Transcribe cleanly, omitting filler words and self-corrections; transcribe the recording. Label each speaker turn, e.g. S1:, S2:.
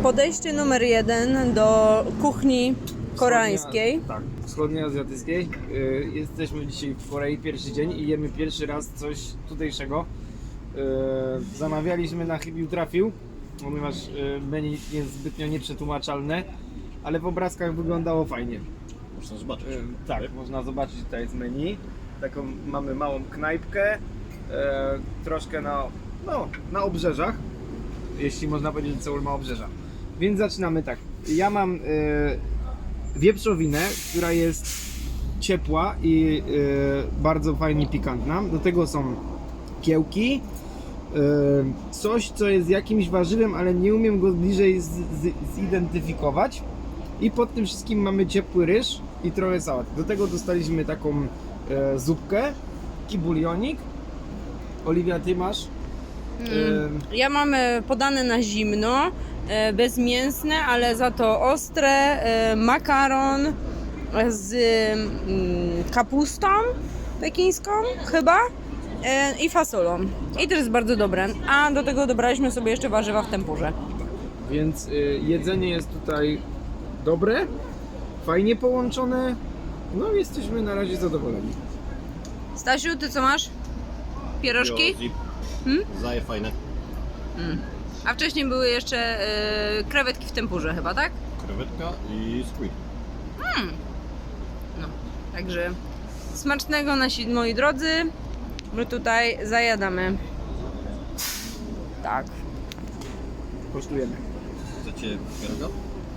S1: Podejście numer 1 do kuchni koreańskiej.
S2: Tak, wschodnioazjatyckiej. Jesteśmy dzisiaj w Korei pierwszy dzień i jemy pierwszy raz coś tutejszego. Zamawialiśmy na chybił trafił, ponieważ menu jest zbytnio nieprzetłumaczalne, ale w obrazkach wyglądało fajnie.
S3: Można zobaczyć.
S2: Tak, można zobaczyć, tutaj jest menu. Taką mamy małą knajpkę, troszkę na obrzeżach, jeśli można powiedzieć, że Seul ma obrzeża. Więc zaczynamy tak. Ja mam wieprzowinę, która jest ciepła i bardzo fajnie pikantna. Do tego są kiełki, coś co jest jakimś warzywem, ale nie umiem go bliżej zidentyfikować. I pod tym wszystkim mamy ciepły ryż i trochę sałat. Do tego dostaliśmy taką zupkę, taki bulionik. Oliwia, ty masz?
S1: Ja mam podane na zimno, bezmięsne, ale za to ostre, makaron z kapustą pekińską chyba i fasolą. I to jest bardzo dobre. A do tego dobraliśmy sobie jeszcze warzywa w tempurze.
S2: Więc jedzenie jest tutaj dobre, fajnie połączone. No jesteśmy na razie zadowoleni.
S1: Stasiu, ty co masz? Pierożki?
S3: Zaje fajne.
S1: A wcześniej były jeszcze krewetki w tempurze chyba, tak?
S3: Krewetka i squid.
S1: No, także smacznego nasi moi drodzy. My tutaj zajadamy. Tak.
S2: Kosztujemy.
S3: Chcecie pieroga?